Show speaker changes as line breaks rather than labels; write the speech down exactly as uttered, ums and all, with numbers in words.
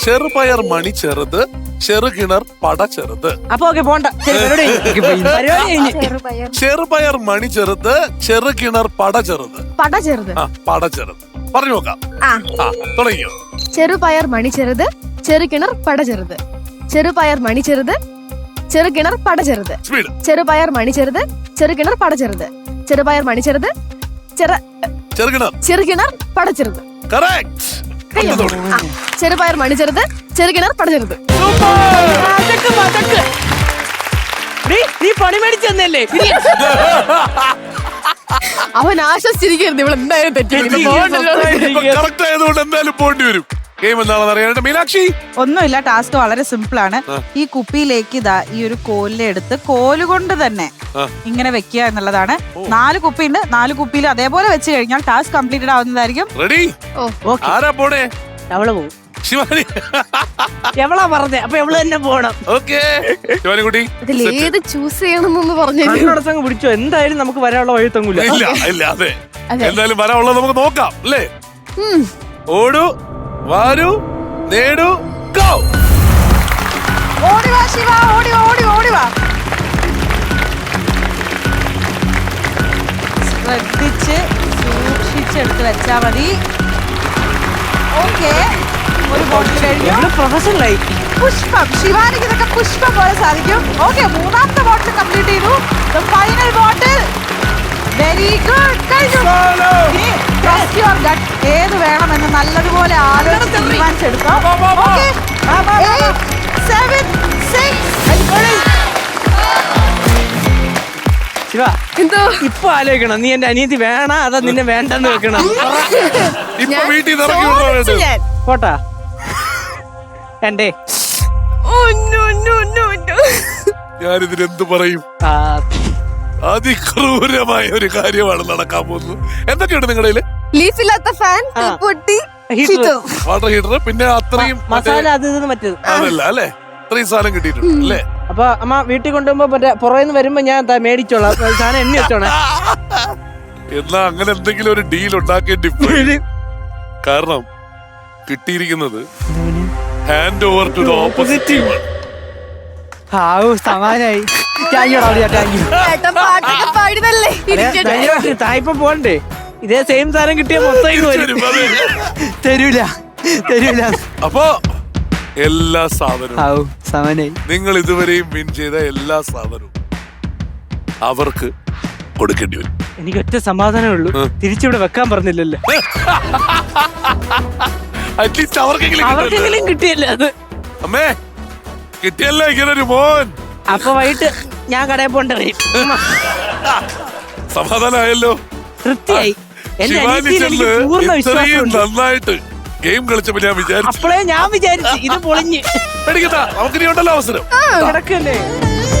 ചെറുപയർ മണി ചെറുത്, ചെറുകിണർ പട ചെറുത്.
അപ്പൊ ഓക്കെ പോണ്ട.
ചെറുപയർ മണി ചെറുത്, ചെറുകിണർ പട ചെറുത്.
പട ചെറുത്.
ആ പട ചെറുത് പറഞ്ഞു നോക്കാം. ആ തുടങ്ങിയോ?
ചെറുപയർ മണി ചെറുത്, ചെറുകിണർ പട ചെറുത്. ചെറുപയർ മണി ചെറുത്, ചെറുകിണർ പട ചെറുത്.
സ്പീഡ്.
ചെറുപയർ മണി ചെറുത്, ചെറുകിണർ പട ചെറുത്. ചെറുപയർ മണി ചെറുത്,
ചെറുകിണർ
ചെറുകിണർ പട ചെറുത്.
കറക്റ്റ്.
ചെറുപയർ മണി ചെറുത്, ചെറുകിണർ പട ചെറുത്.
നീ പണി മേടിച്ചെന്നല്ലേ?
അവൻ ആശ്വസിച്ചിരിക്കരുത്, ഇവിടെ എന്തായാലും തെറ്റി.
കറക്റ്റ് ആയതുകൊണ്ട് എന്തായാലും പോണ്ടി വരും. ഗെയിം എന്താണെന്ന് അറിയാനായിട്ട് മീനാക്ഷി.
ഒന്നുമില്ല, ടാസ്ക് വളരെ സിമ്പിൾ ആണ്. ഈ കുപ്പിയിലേക്ക് ഇതാ ഈ ഒരു കോലിനെ എടുത്ത് കോലുകൊണ്ട് തന്നെ ഇങ്ങനെ വെക്കുക എന്നുള്ളതാണ്. നാല് കുപ്പി ഉണ്ട്, നാല് കുപ്പിയിൽ അതേപോലെ വെച്ച് കഴിഞ്ഞാൽ ടാസ്ക് കംപ്ലീറ്റഡ് ആവുന്നതായിരിക്കും.
റെഡി? ആരാ പോണേ?
അവള് പോവും.
ശിവാനി
എവളാ പറഞ്ഞേ? അപ്പൊ എവള് തന്നെ പോണം.
ഓക്കെ ശിവാനി കുട്ടി,
ഇതിൽ ഏത് ചൂസ് ചെയ്യണമെന്ന് പറഞ്ഞു
പിടിച്ചോ. എന്തായാലും നമുക്ക് വരാനുള്ള വഴി തങ്ങൂല.
ഇല്ല ഇല്ല അതെ എന്തായാലും വരാനുള്ളത് നമുക്ക് നോക്കാം അല്ലേ? ഓടു വാരു നേടു ഗോ.
ഓടി വാ ശിവ, ഓടി ഓടി ഓടി വാ. ശ്രദ്ധിച്ച് സൂക്ഷിച്ചെടുത്ത് വെച്ചാ മതി. ഓക്കെ, ഒരു ബോട്ടിൽ കഴിഞ്ഞു.
പ്രൊഫഷണലായി.
പുഷ്പം, ശിവാനിക്ക് ഇതൊക്കെ പുഷ്പം പോലെ സാധിക്കും. ഓക്കെ, മൂന്നാമത്തെ ബോട്ടിൽ കംപ്ലീറ്റ് ചെയ്തു. Final bottle. Very good. കഴിഞ്ഞു. Trust your gut. ഏത് വേണമെന്ന് നല്ലതുപോലെ ആലോചിച്ച് തീരുമാനിച്ചെടുക്കാം. Okay, seven six.
ശിവ, എന്തോ ഇപ്പൊ ആലോചിക്കണം. നീ എന്റെ അനിയത്തി വേണ അതാ നിന്നെ വേണ്ടെന്ന് വെക്കണം.
ഇപ്പൊ വീട്ടിൽ നിന്ന് ഇറക്കി വിടണോ?
പോട്ടാ എന്റെ.
ഞാനിതിന് എന്ത് പറയും? അതിക്രൂരമായ ഒരു കാര്യമാണ് നടക്കാൻ പോകുന്നത്. എന്തൊക്കെയുണ്ട് നിങ്ങളുടെ
ലീഫില്ലാത്ത ഫാൻ, പൊട്ടി,
വാട്ടർ ഹീറ്റർ, പിന്നെ അത്രയും
മസാല അത് ഇത് മറ്റേത്
അതല്ല അല്ലേ? അത്രയും സാധനം കിട്ടിയിട്ടുണ്ട് അല്ലേ?
അപ്പൊ അമ്മ വീട്ടിൽ കൊണ്ടുപോകുമ്പോ മറ്റേ പുറമേന്ന് വരുമ്പോ ഞാൻ മേടിച്ചോളാം. സാധനം എണ്ണി വെച്ചോളാം.
എന്നാ അങ്ങനെ എന്തെങ്കിലും ഒരു ഡീൽ ഉണ്ടാക്കേണ്ടി പോയി. കാരണം കിട്ടിയിരിക്കുന്നത് hand over to the opposite team.
സമാനായി. തായിപ്പം പോണ്ടേ? ഇതേ സെയിം സാധനം കിട്ടിയ മൊത്തം തരൂല തരൂല.
അപ്പൊ എല്ലാ സാധനവും
സമാനായി.
നിങ്ങൾ ഇതുവരെയും വിൻ ചെയ്ത എല്ലാ സാധനവും അവർക്ക് കൊടുക്കേണ്ടി വരും.
എനിക്ക് ഒറ്റ സമാധാനമേ ഉള്ളൂ, തിരിച്ചിവിടെ വെക്കാൻ പറഞ്ഞില്ലല്ലോ.
അറ്റ്ലീസ്റ്റ് അവർക്കെങ്കിലും
കിട്ടിയല്ലേ അത്.
അമ്മേ കിട്ടിയല്ലോ ഇങ്ങനെ ഒരു മോൻ.
അപ്പൊ വൈകിട്ട് ഞാൻ കടയിൽ പോണ്ട വരും.
സമാധാനമായല്ലോ, തൃപ്തിയായി. ഇത്രയും നന്നായിട്ട് ഗെയിം കളിച്ചപ്പോ ഞാൻ വിചാരിച്ചു,
അപ്പോഴേ ഞാൻ വിചാരിച്ചു ഇത് പൊളിഞ്ഞ്.
പേടിക്കണ്ട, നമുക്ക് ഇനി ഉണ്ടല്ലോ അവസരം.
കിടക്കല്ലേ.